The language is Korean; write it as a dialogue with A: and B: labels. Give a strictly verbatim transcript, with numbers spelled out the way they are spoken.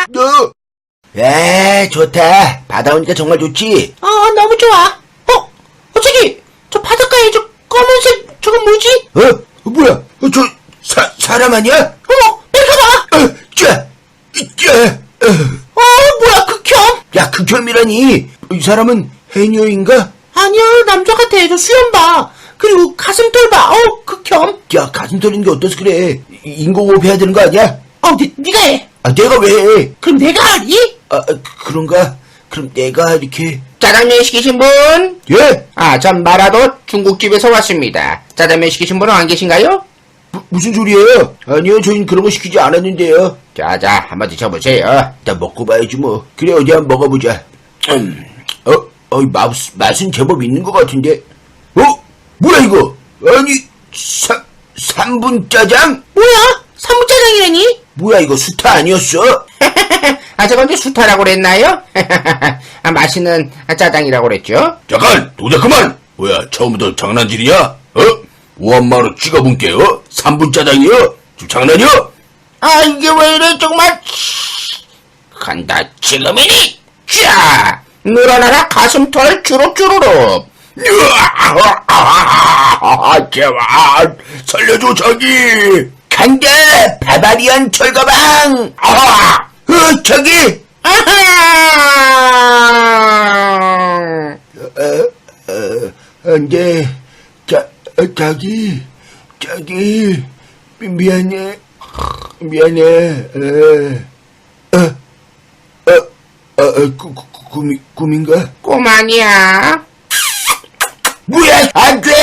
A: 너. 에, 좋다. 바다 오니까 정말 좋지?
B: 어, 너무 좋아. 어, 어, 저기, 저 바닷가에 저 검은색, 저건 뭐지?
A: 어? 어, 뭐야? 어, 저, 사, 사람 아니야?
B: 어머, 내려가봐!
A: 어, 자, 자, 어.
B: 어, 뭐야, 극혐?
A: 야, 극혐이라니. 이 사람은 해녀인가?
B: 아니야, 남자 같아. 저 수염 봐. 그리고 가슴털 봐. 어, 극혐.
A: 야, 가슴 털리는 게 어때서 그래? 인공호흡 해야 되는 거 아니야?
B: 어, 니, 니가 해.
A: 아, 내가 왜 해?
B: 그럼 내가 하니?
A: 아, 아, 그런가? 그럼 내가 이렇게.
C: 짜장면 시키신 분?
A: 예?
C: 아, 전 마라도 중국집에서 왔습니다. 짜장면 시키신 분은 안 계신가요?
A: 무, 무슨 소리예요? 아니요, 저희는 그런 거 시키지 않았는데요.
C: 자자, 한번 드셔보세요.
A: 일단 먹고 봐야지 뭐. 그래, 어디 한번 먹어보자. 음, 어, 어, 맛, 맛은 제법 있는 것 같은데. 어? 뭐야 이거? 아니, 사, 삼분 짜장?
B: 뭐야? 삼분짜장이라니?
A: 뭐야 이거 수타 아니었어?
C: 아, 저건 이제 수타라고 그랬나요? 아, 맛있는 짜장이라고 그랬죠?
A: 잠깐, 도자 그만! 뭐야, 처음부터 장난질이야? 어? 오한마로 찍어본게, 어? 삼분 짜장이요? 지금 장난이야?
C: 아, 이게 왜 이래, 정말. 간다, 지금이니! 자! 늘어나라 가슴털 주룩주룩.
A: 으아, 제발 살려줘 저기. 간다, 바바리안 철가방. 아, 어, 저기.
C: 아하!
A: 어, 어, 안돼. 자, 어, 자기, 자기, 미, 미안해, 미안해. 어, 어, 어, 어, 어 구, 구, 꿈이, 꿈인가?
C: 꿈 아니야.
A: 뭐야, 안 돼!